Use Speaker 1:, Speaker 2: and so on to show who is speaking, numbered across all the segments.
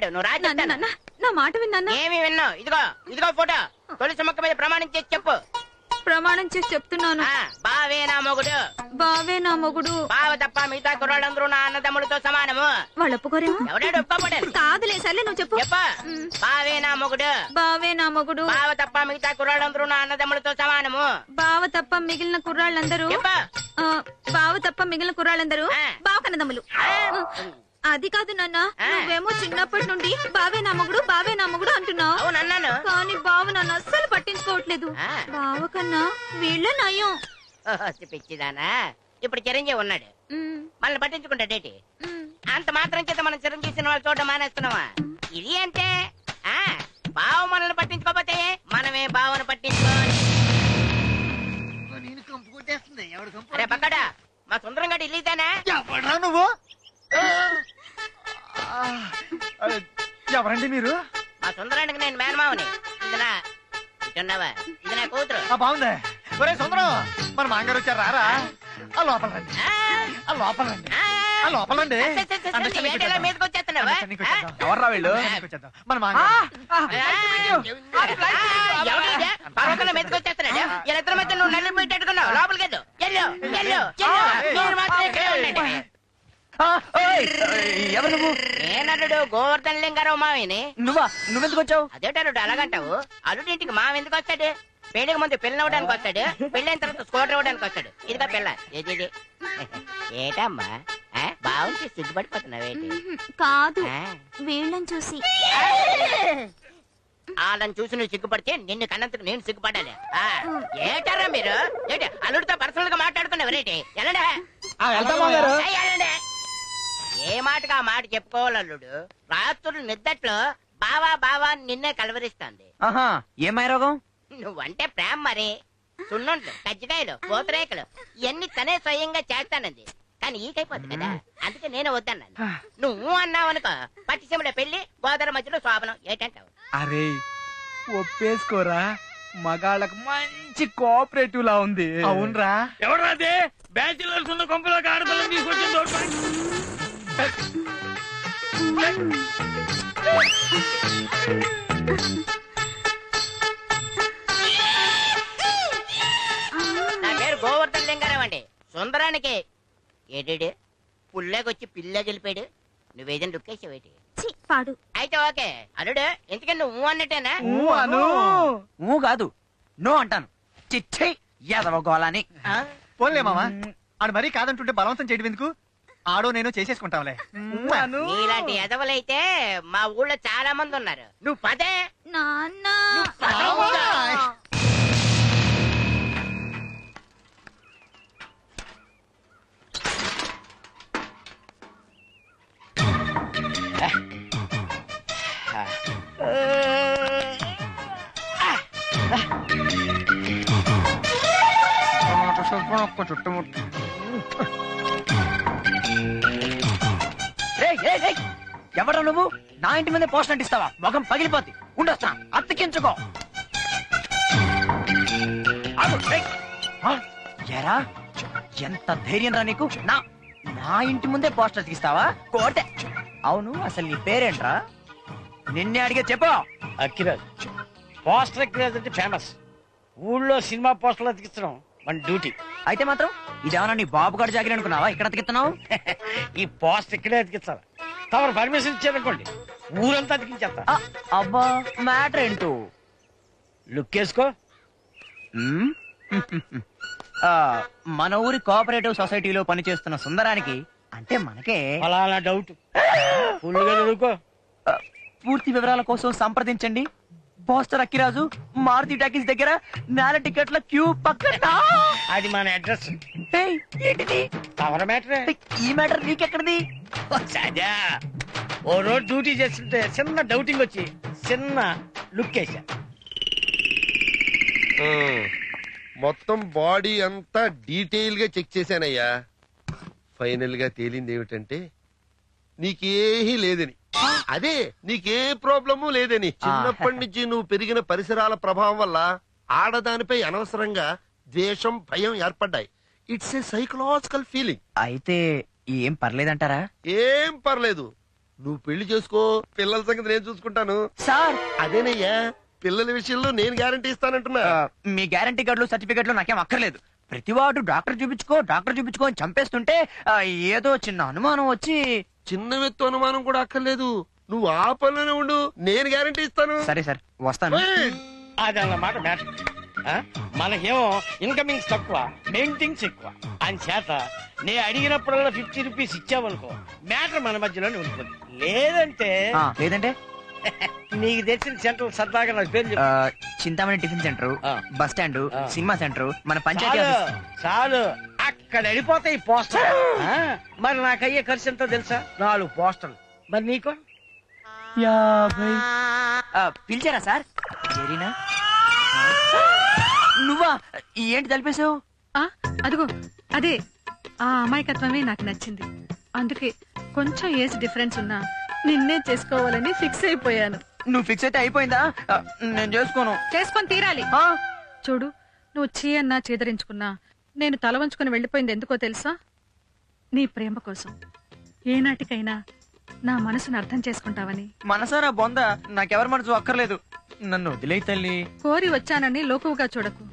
Speaker 1: చెప్పాడు. నువ్వు రా చెప్తాను.
Speaker 2: నా మాట విన్నా?
Speaker 1: ఏమి విన్నావు? ఇదిగో ఫోటో. తులసి మొక్క మీద ప్రమాణం చేసి చెప్పు.
Speaker 2: ప్రమాణం చేసి చెప్తున్నాను.
Speaker 1: బావే నా మొగుడు.
Speaker 2: బావే నా మొగుడు.
Speaker 1: బావ తప్ప మిగతా కుర్రాళ్ళందరూ నా అన్నదమ్ములతో సమానము.
Speaker 2: వాళ్ళు ఒప్పుకోరేమో.
Speaker 1: ఎవడాడు ఒప్పుకోబడాలి?
Speaker 2: కాదులే, సర్లే నువ్వు చెప్పు.
Speaker 1: బావే నా మొగుడు.
Speaker 2: బావే నా మొగుడు.
Speaker 1: బావ తప్ప మిగతా కుర్రాళ్ళందరూ నా అన్నదమ్ములతో సమానము.
Speaker 2: బావ తప్ప మిగిలిన కుర్రాళ్ళందరూ బావ తప్ప మిగిలిన కుర్రాళ్ళందరూ బావ కన్నదమ్ములు. అది కాదు నాన్న, నువ్వేమో చిన్నప్పటి నుండి బావే నా మొగుడు బావే నా మొగుడు అంటున్నావు. కానీ బావ నన్ను అస్సలు పట్టించుకోవట్లేదు. బావ కన్నా వీళ్ళ నయం.
Speaker 1: పిచ్చిదానా, ఇప్పుడు చిరంజీవి ఉన్నాడు, మనల్ని పట్టించుకుంటాడేటి? అంత మాత్రం చేత మనం చిరంజీవి సినిమాలు చూడడం మానేస్తున్నావా? ఇది అంటే బావ మనల్ని పట్టించుకోకపోతే మనమే బావను పట్టించుకోవాలి. అరే పక్కడా, మా సుందరం గడి ఇల్లీతేనా?
Speaker 3: నువ్వు ఎవరండి మీరు?
Speaker 1: మా సుందరానికి నేను మేనమావని. ఇది నా కూతురు.
Speaker 3: బాగుంది. ఒరే సుందరం, మన మాంగారు వచ్చారు, రారా? ఆ లోపల రండి, ఆ లోపల రండి, ఆ లోపల రండి.
Speaker 1: మీదకి వచ్చేస్తున్నావా?
Speaker 3: ఎవర్రా వీళ్ళు? మన మాంగారు
Speaker 1: మీదకి వచ్చేస్తున్నాడు. వీళ్ళిద్దరి మధ్య నువ్వు నల్లి పెట్టేట్టుకున్నావు. లోపలికి వెళ్ళు.
Speaker 3: ఎవరు నువ్వు?
Speaker 1: నేనల్లుడు గోవర్ధన్ లింగారావు మావిని.
Speaker 3: నువ్వెందుకు వచ్చావు?
Speaker 1: అదేటల్లుడు అలాగంటావు? అల్లుడింటికి మావ ఎందుకు వస్తాడు? పెళ్లికి ముందు పిల్లలు అవ్వడానికి వస్తాడు, పెళ్ళైన తర్వాత స్కూటర్ ఇవ్వడానికి వస్తాడు. ఇదిగా పిల్ల. ఏది ఏటమ్మా బాగుంది, సిగ్గుపడిపోతున్నావేంటి?
Speaker 2: కాదు, వీళ్ళని చూసి.
Speaker 1: వాళ్ళని చూసి నువ్వు సిగ్గుపడితే నిన్ను కన్నందుకు నేను సిగ్గుపడాలి. ఏటారా మీరు? ఏంటి అల్లుడితో పర్సనల్ గా మాట్లాడుకున్నావు? ఎలాండే ఏ మాటగా ఆ మాట చెప్పుకోవాలి అల్లుడు. రాత్రులు నిద్దట్లో బావా బావా నిన్నే కలవరిస్తాంది.
Speaker 3: ఏమై రోగం?
Speaker 1: నువ్వంటే ప్రేమ మరి. సున్నుంట్లు, కజ్జికాయలు, పూతరేకలు ఇవన్నీ తనే స్వయంగా చేస్తానంది. కానీ ఈకైపోతుంది కదా, అందుకే నేనే వద్దన్నాను. నువ్వు అన్నావనుకో, పట్టిసీమలో పెళ్లి, గోదావరి మధ్యలో శోభనం. ఏంటంటావు?
Speaker 3: అరే ఒప్పేసుకోరా, మగాళ్ళకు మంచి కోఆపరేటివ్ లా ఉంది. అవునరా.
Speaker 4: ఎవరాదే బ్యాచిలర్స్ ఉన్న కొంపలోకి ఆడపిల్లని తీసుకొచ్చింది?
Speaker 1: నా పేరు గోవర్ధన్ లింగారావు అండి. సుందరానికి ఏడు పుల్లేకొచ్చి పిల్ల గెలిపాడు. నువ్వేదైనా రుక్కేసావేటి?
Speaker 2: పాడు.
Speaker 1: అయితే ఓకే అల్లుడు, ఎందుకని నువ్వు అన్నట్టేనా?
Speaker 3: కాదు, నో అంటాను. చిచ్చే యాదవ గోళాని. పోన్లే మామా, ఆడు మరీ కాదంటుంటే బలవంతం చేయడం ఎందుకు? ఆడో నేను చేసేసుకుంటాంలే.
Speaker 1: నీలాంటి ఎదవలైతే మా ఊళ్ళో చాలా మంది ఉన్నారు. నువ్వు పదే
Speaker 2: నాన్న.
Speaker 3: చుట్టుముట్టు ఎవరా నువ్వు? నా ఇంటి మీద పోస్ట్ అంటిస్తావా? మొఖం పగిలిపోద్ది. ఉండొస్తా, అతికించుకో. ఎరా, ఎంత ధైర్యం రా నీకు? నా ఇంటి ముందే పోస్ట్ అతికిస్తావా? కోటే. అవును, అసలు నీ పేరేంట్రా? నిన్నే అడిగే చెప్పు.
Speaker 4: అక్కిరాజ్. పోస్టర్ అక్కిరాజ్ అంటే ఫేమస్. ఊళ్ళో సినిమా పోస్టర్లు అతికిస్తున్నాం మన డ్యూటీ.
Speaker 3: అయితే మాత్రం ఇదేమన్నా నీ బాబు గారు జాగిరి అనుకున్నావా? ఇక్కడ అతికిస్తున్నావు?
Speaker 4: ఈ పోస్టర్ ఇక్కడే అతికిస్తావా? తమరు పర్మిషన్ ఇచ్చారనుకోండి, ఊరంతా అతికించేస్తా.
Speaker 3: అబ్బా, మ్యాటర్ ఏంటో
Speaker 4: లుక్ వేసుకో.
Speaker 3: మన ఊరి కోఆపరేటివ్ సొసైటీలో పనిచేస్తున్న సుందరానికి, అంటే మనకే
Speaker 4: ఫలానా డౌట్. ఫుల్గా చదువుకో.
Speaker 3: పూర్తి వివరాల కోసం సంప్రదించండి పోస్టర్ అక్కిరాజు, మారుతి టాకీస్ దగ్గర, నేల టికెట్ల క్యూ పక్కన.
Speaker 4: అది మన అడ్రస్.
Speaker 3: ఏంటిది?
Speaker 4: తమర మ్యాటరే.
Speaker 3: ఈ మ్యాటర్ నీకెక్కడిది?
Speaker 4: సదా ఓ రోజు డ్యూటీ చేస్తుంటే చిన్న డౌటింగ్ వచ్చి చిన్న లుక్ వేసా.
Speaker 5: మొత్తం బాడీ అంతా డీటెయిల్ గా చెక్ చేశానయ్యా. ఫైనల్ గా తేలింది ఏమిటంటే నీకేహీ లేదని. అదే నీకే ప్రాబ్లము లేదని. చిన్నప్పటి నుంచి నువ్వు పెరిగిన పరిసరాల ప్రభావం వల్ల ఆడదానిపై అనవసరంగా ద్వేషం, భయం ఏర్పడ్డాయి. It's a psychological feeling.
Speaker 3: అయితే ఏం పర్లేదంటారా?
Speaker 5: ఏం పర్లేదు. నువ్వు పెళ్లి చేసుకో, పిల్లల సంగతి నేను చూసుకుంటాను.
Speaker 3: సార్
Speaker 5: అదేనయ్యా, పిల్లల విషయంలో నేను గ్యారంటీ ఇస్తానంటున్నా.
Speaker 3: మీ గ్యారంటీ కార్డులు సర్టిఫికెట్లు నాకేం అక్కర్లేదు. ప్రతివాడు డాక్టర్ చూపించుకో అని చంపేస్తుంటే ఏదో చిన్న అనుమానం వచ్చి.
Speaker 5: చిన్న వ్యక్తి అనుమానం కూడా అక్కర్లేదు, నువ్వు ఆ పనిలోనే ఉండు, నేను గ్యారంటీ ఇస్తాను.
Speaker 3: సరే సార్ వస్తాను.
Speaker 4: అదన్నమాట మ్యాటర్. మనకేమో ఇన్కమింగ్స్ తక్కువ, మెయింటింగ్స్ ఎక్కువ. అని చేత నే అడిగినప్పుడల్లా 50 రూపీస్ ఇచ్చావనుకో, మ్యాటర్ మన మధ్యలోనే ఉంటుంది. లేదంటే
Speaker 3: లేదంటే
Speaker 4: నీకు తెలిసిన సెంటర్ సరదాగా నాకు పేరు చెప్పు.
Speaker 3: చింతామణి టిఫిన్ సెంటర్,
Speaker 4: ఆ.
Speaker 3: బస్ స్టాండ్, సినిమా సెంటర్, మన పంచాయతీ
Speaker 4: చాలు
Speaker 3: ఆఫీస్.
Speaker 4: చాలు, అక్కడ వెళ్ళిపోతాయి పోస్టర్. మరి నాకు అయ్యే ఖర్చు ఎంతో తెలుసా? 4 పోస్టర్లు. మరి నీకు
Speaker 3: 50. పిలిచారా సార్? జరీనా నువ్వా? ఏంటి తలిపేశావు?
Speaker 6: అదిగో అదే ఆ అమాయకత్వమే నాకు నచ్చింది. అందుకే కొంచెం ఏజ్ డిఫరెన్స్ ఉన్నా నిన్నే చేసుకోవాలని ఫిక్స్ అయిపోయాను.
Speaker 3: నువ్వు ఫిక్స్ అయితే అయిపోయిందా? నేను చేసుకోను.
Speaker 6: చేసుకొని తీరాలి. చూడు, నువ్వు చీ అన్నా చీదరించుకున్నా నేను తల వంచుకుని వెళ్ళిపోయింది ఎందుకో తెలుసా? నీ ప్రేమ కోసం. ఏనాటికైనా నా మనసును అర్థం చేసుకుంటావని.
Speaker 3: మనసారా బొంద, నాకెవరి మనసు అక్కర్లేదు. నన్ను వదిలే తల్లి.
Speaker 6: కోరి వచ్చానని లోకువుగా చూడకు.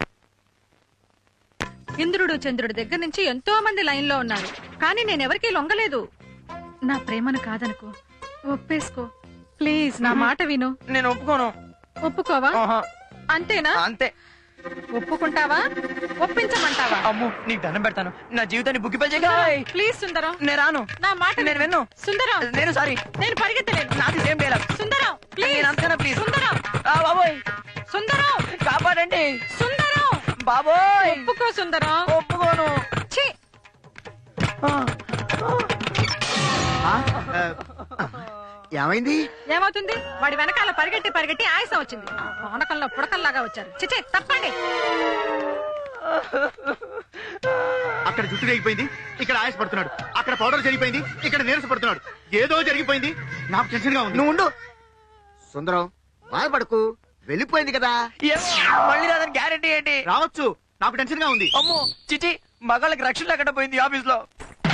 Speaker 6: ఇంద్రుడు చంద్రుడి దగ్గర నుంచి ఎంతో మంది లైన్ లో ఉన్నారు, కానీ నేనెవరికీ లొంగలేదు. నా ప్రేమను కాదనుకో, ఒప్పేసుకో ప్లీజ్. నా మాట విను.
Speaker 3: నేను ఒప్పుకోను.
Speaker 6: ఒప్పుకోవా?
Speaker 3: ఆహా.
Speaker 6: అంతేనా?
Speaker 3: అంతే.
Speaker 6: ఒప్పుకుంటావా? ఒప్పించమంటావా?
Speaker 3: అమ్ము నీకు దండం పెడతాను, నా జీవితాన్ని బుక్కిపల్ చేయగా.
Speaker 6: ప్లీజ్ సుందరం,
Speaker 3: నేను రాను.
Speaker 6: నా మాట
Speaker 3: నేను విన్ను.
Speaker 6: సుందరం,
Speaker 3: నేను సారీ,
Speaker 6: నేను పరిగెత్తలేను.
Speaker 3: నాది సేమ్ డైలాగ్.
Speaker 6: Sundaram please.
Speaker 3: నేను అంతేనా ప్లీజ్?
Speaker 6: సుందరం,
Speaker 3: బాబోయ్
Speaker 6: సుందరం,
Speaker 3: కాపాడండి.
Speaker 6: సుందరం,
Speaker 3: బాబోయ్
Speaker 6: ఒప్పుకో సుందరం.
Speaker 3: ఒప్పుకోను.
Speaker 6: ఛీ,
Speaker 3: ఏమైంది?
Speaker 6: ఏమవుతుంది? వాడి వెనకాల పరిగెట్టి పరిగెట్టి ఆయాసం వచ్చింది. పానకంలో పుడకల్లాగా వచ్చారు. చిచే తప్పండి.
Speaker 7: అక్కడ జుట్టు తెగిపోయింది, ఇక్కడ ఆయాస పడుతున్నాడు. అక్కడ పౌడర్ జరిగిపోయింది, ఇక్కడ నీరస పడుతున్నాడు. ఏదో జరిగిపోయింది, నాకు టెన్షన్ గా ఉంది.
Speaker 3: నువ్వు ఉండు.
Speaker 7: సుందరం, బాధపడకు, వెళ్ళిపోయింది కదా.
Speaker 3: మళ్ళీ రాదని గ్యారెంటీ ఏంటి?
Speaker 7: రావచ్చు, నాకు టెన్షన్ గా ఉంది.
Speaker 3: అమ్మో చిచి, మగాళ్ళకి రక్షణ లేకుండా పోయింది ఆఫీస్ లో.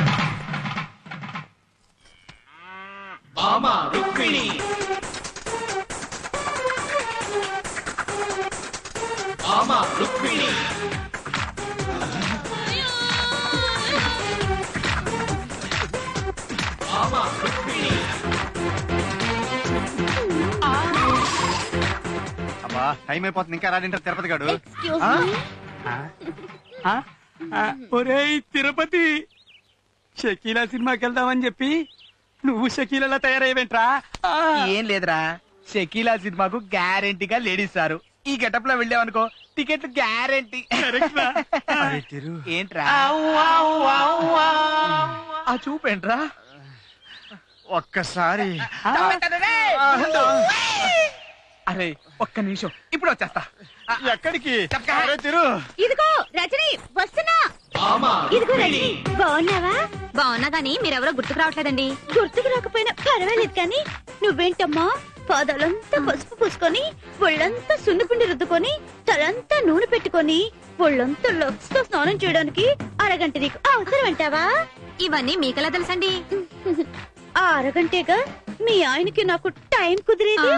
Speaker 7: అబ్బా, టైం అయిపోతుంది, ఇంకా రాడింటారు తిరుపతి గాడు.
Speaker 8: ఒరేయ్ తిరుపతి, షకీలా సినిమాకి వెళ్దామని చెప్పి నువ్వు షకీలా తయారయ్యేంట్రా?
Speaker 3: ఏం లేదురా,
Speaker 8: షకీలా సినిమాకు గ్యారెంటీగా లేడీస్ సారు. ఈ గెటప్ లో వెళ్ళావనుకో టికెట్లు గ్యారెంటీ.
Speaker 7: ఏంట్రా
Speaker 8: ఆ చూపేంట్రా?
Speaker 7: ఒక్కసారి
Speaker 8: అరే ఒక్క నిమిషం, ఇప్పుడు వచ్చేస్తా.
Speaker 7: ఎక్కడికి?
Speaker 8: అరే తిరు,
Speaker 2: ఇదిగో రజని వస్తున్నా. ఇదిగో రజని, బాగున్నావా? బాగున్నా గానీ మీరెవరో గుర్తుకు రావట్లేదండి. గుర్తుకు రాకపోయినా పర్వాలేదు కానీ నువ్వేంటమ్మా పాదాలంతా పసుపు పూసుకొని, ఒళ్ళంతా సున్నిపిండి రుద్దుకొని, తలంతా నూనె పెట్టుకొని, ఒళ్ళంతా లక్స్ తో స్నానం చేయడానికి అరగంట నీకు అవసరం అంటావా? ఇవన్నీ మీకెలా తెలుసండి? ఆ అరగంటేగా మీ ఆయనకి నాకు టైం కుదిరేది.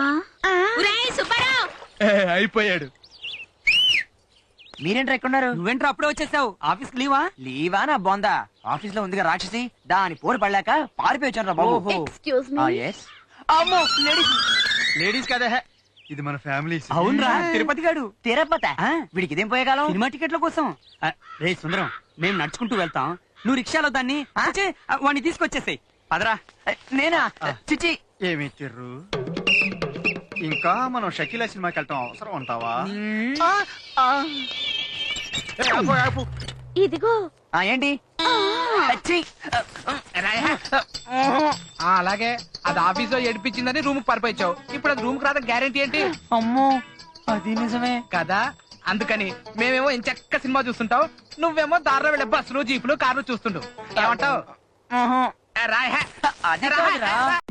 Speaker 8: అయిపోయాడు.
Speaker 3: మీరేంట్రా ఎక్కడున్నారు?
Speaker 8: నువ్వేంట్రా అప్పుడే వచ్చేసావు? ఆఫీస్ లీవా?
Speaker 3: లీవా నా బొందా, ఆఫీస్ లో ఉందిగా రాక్షసి, దాని పోరు పడలేక పారిపోయి వచ్చాను రా బాబు.
Speaker 2: Excuse me.
Speaker 3: yes. అమ్మో లేడీస్.
Speaker 7: లేడీస్ కదా, ఇది మన ఫ్యామిలీ.
Speaker 8: అవునరా, తిరుపతి గాడు.
Speaker 3: తిరుపతి వీడికి ఇదేం పోయేగాలం?
Speaker 8: సినిమా టికెట్ల కోసం. రే సుందరం, మేము నడుచుకుంటూ వెళ్తాం, నువ్వు రిక్షాలో దాన్ని వాడిని తీసుకొచ్చేసాయి. పదరా.
Speaker 3: నేనా? చిచి,
Speaker 7: ఏమి తిర్రు, ఇంకా మనం షకీలా సినిమాకి వెళ్ళటం అవసరం అంటావా?
Speaker 2: ఇదిగో
Speaker 3: ఏంటి? ఛీ.
Speaker 8: అలాగే అది ఆఫీస్ లో ఏడిపించిందని రూమ్ పరిపోయించావు. ఇప్పుడు అది రూమ్ కి రాదా గ్యారెంటీ ఏంటి?
Speaker 3: అమ్మో అది నిజమే
Speaker 8: కదా, అందుకని మేమేమో ఎంచక్క సినిమా చూస్తుంటావు, నువ్వేమో దారిలో వెళ్ళే బస్సులు జీపులు కార్లు చూస్తుంటావు. ఏమంటావు?
Speaker 3: అది కాదురా.